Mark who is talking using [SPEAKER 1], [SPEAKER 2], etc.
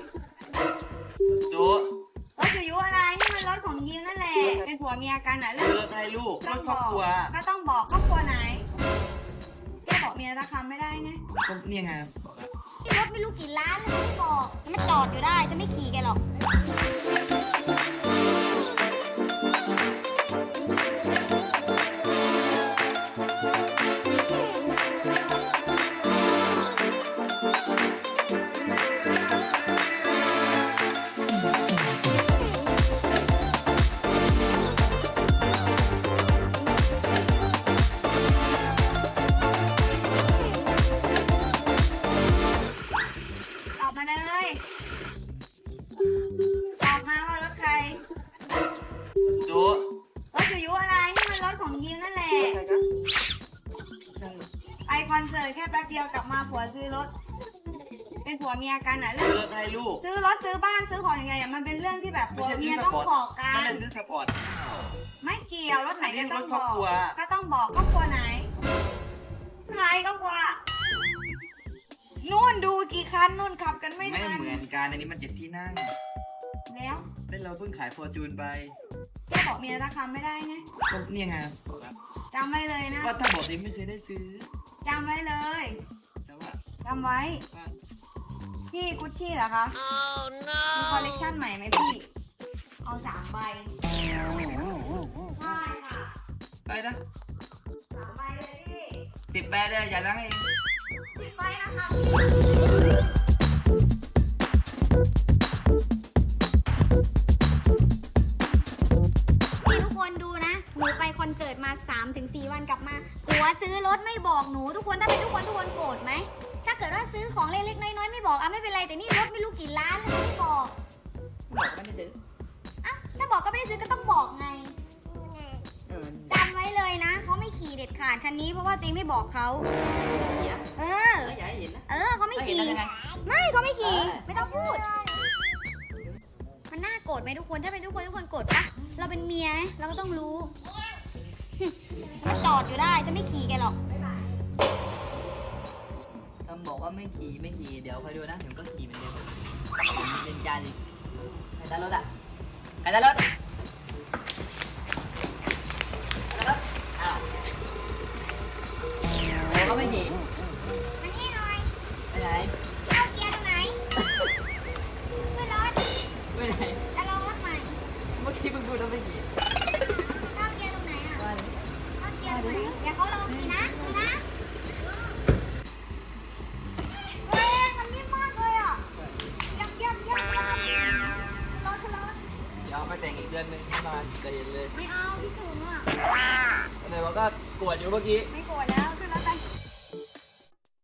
[SPEAKER 1] จุ
[SPEAKER 2] รถจุยุอะไรนี่มันรถของยิมนั่นแหละเป็นผัวเมียกันอ่ะ
[SPEAKER 1] ซื้อรถให้ลูกรถครอบครัว
[SPEAKER 2] ก็ต้องบอกครอบครัวไหนแค่บอกเมียราคาไม่ได้ไง
[SPEAKER 1] ก็เนี่ยไงบอกแล้ว
[SPEAKER 3] รถไม่รู้กี่ล้านเลยไม่บอกมันจอดอยู่ได้ฉันไม่ขี่แกหรอก
[SPEAKER 2] ตอบมาเลยตอบมาว่ารถใคร
[SPEAKER 1] จุ
[SPEAKER 2] รถจุยุอะไรนี่มันรถของยิมนั่นแหละไปคอนเสิร์ตแค่แป๊บเดียวกลับมาผัวซื้อรถเป็นผัวเมียกันอ่ะ
[SPEAKER 1] ซื้อรถให้ลูก
[SPEAKER 2] ซื้อรถซื้อบ้านซื้อของยังไงอ่ะมันเป็นเรื่องที่แบบผัวเมียต้องบอกกั
[SPEAKER 1] ไม่
[SPEAKER 2] น
[SPEAKER 1] ได้ซื้อสปอร์ต
[SPEAKER 2] ไม่เกี่ยวรถไหนก็ต้อง
[SPEAKER 1] รถครอบครัว
[SPEAKER 2] ก็ต้องบอกครอบครัวไหนใครครอบครัวนู่นดูกี่คันนู่นขับกันไม่
[SPEAKER 1] ไม่
[SPEAKER 2] ทัน
[SPEAKER 1] เหมือนกันอันนี้มัน7 ที่นั่ง
[SPEAKER 2] แล้ว
[SPEAKER 1] เล่นเราเพิ่งขายฟอร์จูนไป
[SPEAKER 2] แค่บอกเมียราคาไม่ได้ไง
[SPEAKER 1] ก็เนี่ยไงบอกแล้ว
[SPEAKER 2] จำไว้เลยนะ
[SPEAKER 1] ว่าถ้าบอกนี้ไม่เคยได้ซื้อ
[SPEAKER 2] จำไว้เลย
[SPEAKER 1] แต่ว่า
[SPEAKER 2] จำไว้
[SPEAKER 1] ว่า
[SPEAKER 2] พี่กุชชี่เหรอคะมีคอลเลกชันใหม่ไหมพี่เอา3 ใบใช่ค่ะ
[SPEAKER 1] ไปนะ
[SPEAKER 2] 3 ใบเลยพี่
[SPEAKER 1] 10 แปดเลยอย่านั่งเอง
[SPEAKER 2] 10 ใบนะคะ
[SPEAKER 3] นี่ทุกคนดูนะหนูไปคอนเสิร์ตมา 3-4 วันกลับมาผัวซื้อรถไม่บอกหนูทุกคนถ้าเป็นทุกคนโกรธไหมถ้าเกิดว่าซื้อของเล็กๆน้อยๆไม่บอกไม่เป็นไรแต่นี่รถไม่รู้กี่ล้านเลยไม่บอก
[SPEAKER 1] บอกไม่ได้ซื้อ
[SPEAKER 3] อ่ะถ้าบอกก็ไม่ได้ซื้อก็ต้องบอกไง
[SPEAKER 1] เออ
[SPEAKER 3] จำไว้เลยนะเขาไม่ขี่เด็ดขาดคันนี้เพราะว่าตัวเองไม่บอกเขา
[SPEAKER 1] เดี๋ยว
[SPEAKER 3] เออ
[SPEAKER 1] อย่าให้เห็นนะ
[SPEAKER 3] เขาไม่ขี่
[SPEAKER 1] แล้วยังไง
[SPEAKER 3] ไม่เขาไม่ขี่
[SPEAKER 1] เออ
[SPEAKER 3] ไม่ต้องพูด มันน่าโกรธไหมทุกคนถ้าเป็นทุกคนโกรธปะเราเป็นเมียไหมเราก็ต้องรู้มันจอดอยู่ได้ฉันไม่ขี่แกหรอก
[SPEAKER 1] ทำบอกว่าไม่ขี่เดี๋ยวคอยดูนะเดี๋ยวก็ขี่เหมือนเดิมผมเป็นจานอีกใครได้รถอ่ะใครได้รถอ้าวเดี๋ยวเขาไม่ขี่
[SPEAKER 3] มานี่หน่อย
[SPEAKER 1] ไปไหน
[SPEAKER 3] เข้าเกียร์ตรงไหนขึ้นรถ
[SPEAKER 1] ไปไหน
[SPEAKER 3] จะลองรถใหม่
[SPEAKER 1] เมื่อกี้เพิ่งพูดว่าไม่ขี่
[SPEAKER 3] เข้าเกียร์ตรงไหนอ่ะ
[SPEAKER 1] ว่าเลย
[SPEAKER 3] เข้าเกียร์ตรงไหนเดี๋ยวเขาลองขี่นะดูนะเฮ้ยมันนิ่มมากเลยอ่ะยับรถ
[SPEAKER 1] เดี๋ยวเอาไปแต่งอีกเดือนหนึงที่มาจะเห็นเลย
[SPEAKER 2] ไม่เอาพี่ถุงอ่ะ
[SPEAKER 1] แต่ว่าก็กวดอยู่เมื่อกี้
[SPEAKER 2] ไม่โกรธแล้ว